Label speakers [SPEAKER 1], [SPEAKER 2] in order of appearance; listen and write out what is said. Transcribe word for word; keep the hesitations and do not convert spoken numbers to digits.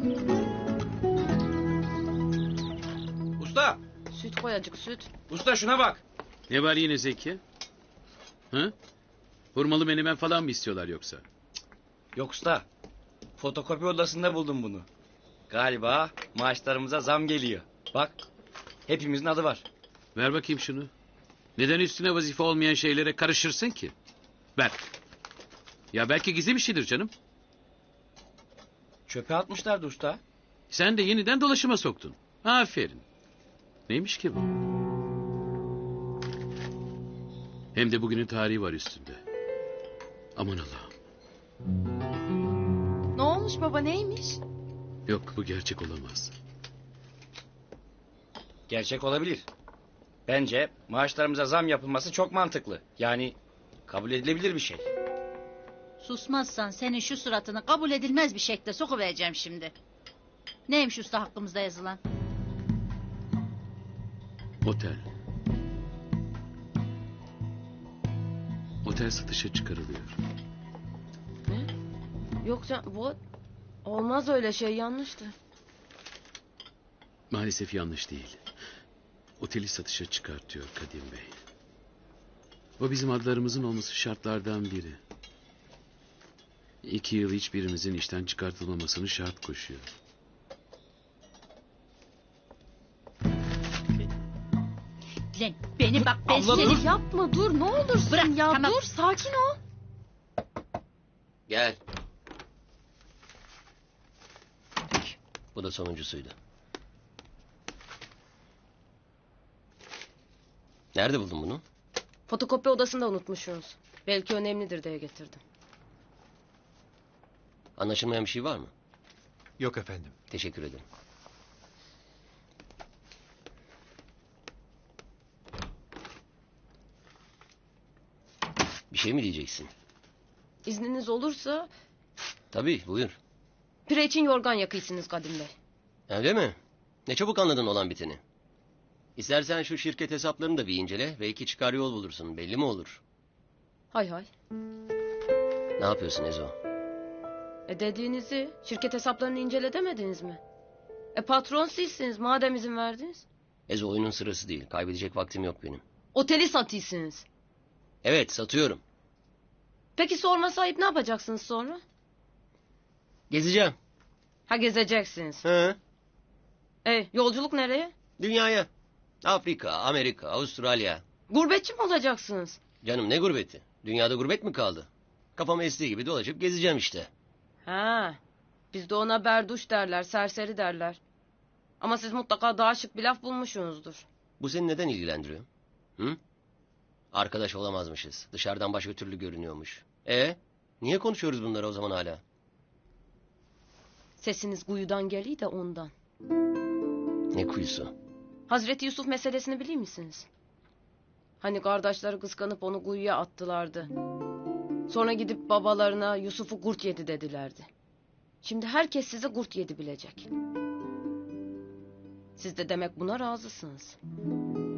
[SPEAKER 1] Usta!
[SPEAKER 2] Süt koy acık süt.
[SPEAKER 1] Usta şuna bak.
[SPEAKER 3] Ne var yine Zeki? Hı? Hurmalı menemen falan mı istiyorlar yoksa?
[SPEAKER 1] Yok usta. Fotokopi odasında buldum bunu. Galiba maaşlarımıza zam geliyor. Bak. Hepimizin adı var.
[SPEAKER 3] Ver bakayım şunu. Neden üstüne vazife olmayan şeylere karışırsın ki? Ver. Ya belki gizli bir şeydir canım.
[SPEAKER 1] Çöpe atmışlardı usta.
[SPEAKER 3] Sen de yeniden dolaşıma soktun. Aferin. Neymiş ki bu? Hem de bugünün tarihi var üstünde. Aman Allah'ım.
[SPEAKER 2] Ne olmuş baba, neymiş?
[SPEAKER 3] Yok, bu gerçek olamaz.
[SPEAKER 1] Gerçek olabilir. Bence maaşlarımıza zam yapılması çok mantıklı. Yani kabul edilebilir bir şey.
[SPEAKER 4] Susmazsan senin şu suratını kabul edilmez bir şekilde sokuvereceğim şimdi. Neymiş usta hakkımızda yazılan?
[SPEAKER 3] Otel. Otel satışa çıkarılıyor.
[SPEAKER 2] Ne? Yok can, bu olmaz, öyle şey yanlıştı.
[SPEAKER 3] Maalesef yanlış değil. Oteli satışa çıkartıyor Kadim Bey. O bizim adlarımızın olması şartlardan biri. İki yıl hiçbirimizin işten çıkartılmamasını şart koşuyor.
[SPEAKER 4] Lan beni bak ben
[SPEAKER 1] Abla
[SPEAKER 4] seni...
[SPEAKER 1] dur.
[SPEAKER 2] Yapma, dur ne olursun.
[SPEAKER 4] Bırak,
[SPEAKER 2] ya
[SPEAKER 4] tamam.
[SPEAKER 2] dur, sakin ol.
[SPEAKER 5] Gel. Bu da sonuncusuydu. Nerede buldun bunu?
[SPEAKER 2] Fotokopi odasında unutmuşsunuz. Belki önemlidir diye getirdim.
[SPEAKER 5] Anlaşılmayan bir şey var mı?
[SPEAKER 6] Yok efendim.
[SPEAKER 5] Teşekkür ederim. Bir şey mi diyeceksin?
[SPEAKER 2] İzniniz olursa
[SPEAKER 5] Tabii, buyur.
[SPEAKER 2] pire için yorgan yakıysınız Kadim Bey.
[SPEAKER 5] Öyle mi? Ne çabuk anladın olan biteni. İstersen şu şirket hesaplarını da bir incele. Belki çıkar yol bulursun. Belli mi olur?
[SPEAKER 2] Hay hay.
[SPEAKER 5] Ne yapıyorsun Ezo?
[SPEAKER 2] E dediğinizi, şirket hesaplarını incele demediniz mi? E patron sizsiniz madem izin verdiniz.
[SPEAKER 5] Ezo, oyunun sırası değil. Kaybedecek vaktim yok benim.
[SPEAKER 2] Oteli satıyorsunuz.
[SPEAKER 5] Evet, satıyorum.
[SPEAKER 2] Peki sorma sahip ne yapacaksınız sonra?
[SPEAKER 5] Gezeceğim.
[SPEAKER 2] Ha gezeceksiniz.
[SPEAKER 5] Hı?
[SPEAKER 2] E yolculuk nereye?
[SPEAKER 5] Dünyaya. Afrika, Amerika, Avustralya.
[SPEAKER 2] Gurbetçi mi olacaksınız?
[SPEAKER 5] Canım ne gurbeti? Dünyada gurbet mi kaldı? Kafam estiği gibi dolaşıp gezeceğim işte.
[SPEAKER 2] Ha, bizde ona berduş derler, serseri derler. Ama siz mutlaka daha şık bir laf bulmuşsunuzdur.
[SPEAKER 5] Bu seni neden ilgilendiriyor? Hı? Arkadaş olamazmışız. Dışarıdan başka türlü görünüyormuş. E, niye konuşuyoruz bunları o zaman hala?
[SPEAKER 2] Sesiniz kuyudan geliyor de ondan.
[SPEAKER 5] Ne kuyusu?
[SPEAKER 2] Hazreti Yusuf meselesini biliyor musunuz? Hani kardeşleri kıskanıp onu kuyuya attılardı. Sonra gidip babalarına Yusuf'u kurt yedi dedilerdi. Şimdi herkes size kurt yedi bilecek. Siz de demek buna razısınız.